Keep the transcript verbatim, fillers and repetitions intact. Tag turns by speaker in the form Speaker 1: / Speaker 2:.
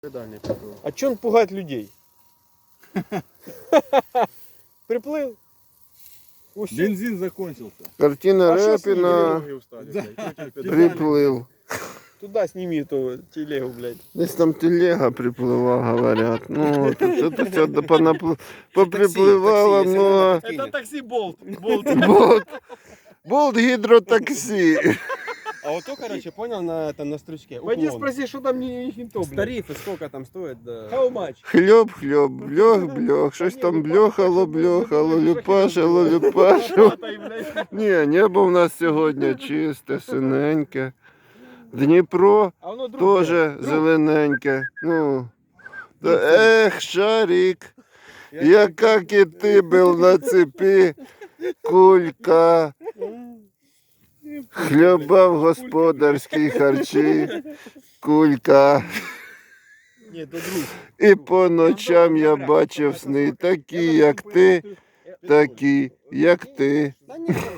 Speaker 1: А чё он пугает людей? Приплыл. Усё.
Speaker 2: Бензин закончился.
Speaker 3: Картина
Speaker 1: А шо с ними
Speaker 3: Репіна
Speaker 1: ноги устали, блядь?
Speaker 3: приплив.
Speaker 1: Туда сними эту телегу, блядь.
Speaker 3: Десь там телега приплила, говорять. Ну, тут це все понапл... поприпливало,
Speaker 2: таксі,
Speaker 3: ну, а
Speaker 1: Это такси Болт. Болт.
Speaker 3: болт, болт гідротаксі.
Speaker 4: А вот то, короче, понял, на, это, на стручке.
Speaker 1: Пойди
Speaker 4: уклон.
Speaker 1: спроси, что там не их то, блядь.
Speaker 4: Тарифы сколько там стоит, да.
Speaker 1: How much?
Speaker 3: Хльоп, хльоп, бльох, бльох, щось там бльохало, бльохало, люпашило, люпашило.
Speaker 1: Тай, блядь.
Speaker 3: Ні, небо в нас сьогодні чисте, синеньке. Дніпро
Speaker 1: А воно друг.
Speaker 3: теж
Speaker 1: блядь.
Speaker 3: зелененьке. Ну, та ех, шарик, яка кіти був на цепі, кулька, хлібав господарські харчі, кулька.
Speaker 1: Ні, то друг.
Speaker 3: І по ночам я бачив сни, такі, як ти, такі, як ти.
Speaker 4: Да нет,